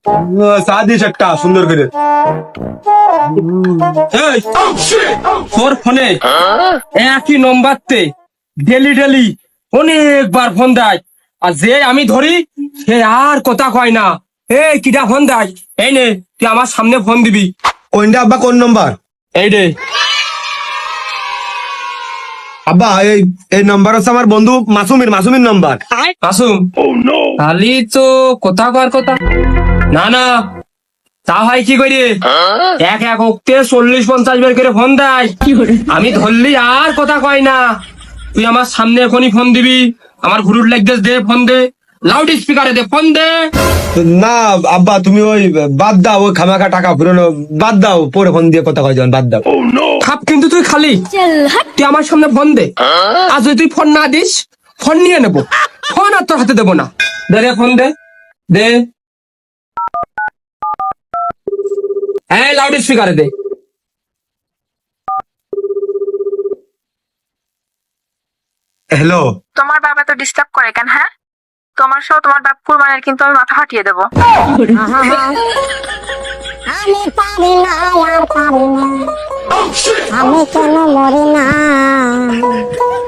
চা দিস একটা সুন্দর করে। এই, তোর ফোনে একই নম্বরতে ডেলি ডেলি অনেকবার ফোন দেয়, আর যে আমি ধরি সে আর কথা কয় না। এই কিটা ফোন দেয়? এই নে, তুই আমার সামনে ফোন দিবি। কোনটা আব্বা, কোন নম্বর? এই রে। আব্বা এই এই নাম্বার হচ্ছে আমার বন্ধু মাসুমের নাম্বার। মাসুম, খালি তো কথা কর কথা। না না, তা হয় কি করি? এক এক অক্টে 40-50 বার করে ফোন দেয়, আমি ধরলি আর কথা কয় না। তুই আমার সামনে এখনই ফোন দিবি, আমার ঘুরুর লাগতে দে, ফোন দে, লাউড স্পিকারে দে, ফোন দে। না আব্বা, তুমি ওই বাদ দাও, ওই খামাখা টাকা ফুরানো বাদ দাও, পরে ফোন দিয়ে কথা কয় যান, বাদ দাও। খাপ কিন্তু তুই খালি, তুই আমার সামনে ফোন দে। আর যদি তুই ফোন না দিস, ফোন নিয়ে নেবো, ফোন আর তোর হাতে দেবো না। দে রে, ফোন দে, দে। হ্যাঁ, লাউড স্পিকারে দে। হ্যালো, তোমার বাবা তো ডিস্টার্ব করে কেন? হ্যাঁ, তোমার সহ তোমার বাপ কুরবানের কিন্তু আমি মাথা ফাটিয়ে দেবো। আমি পারি না, আর পারি না, আমি কেন মরি না।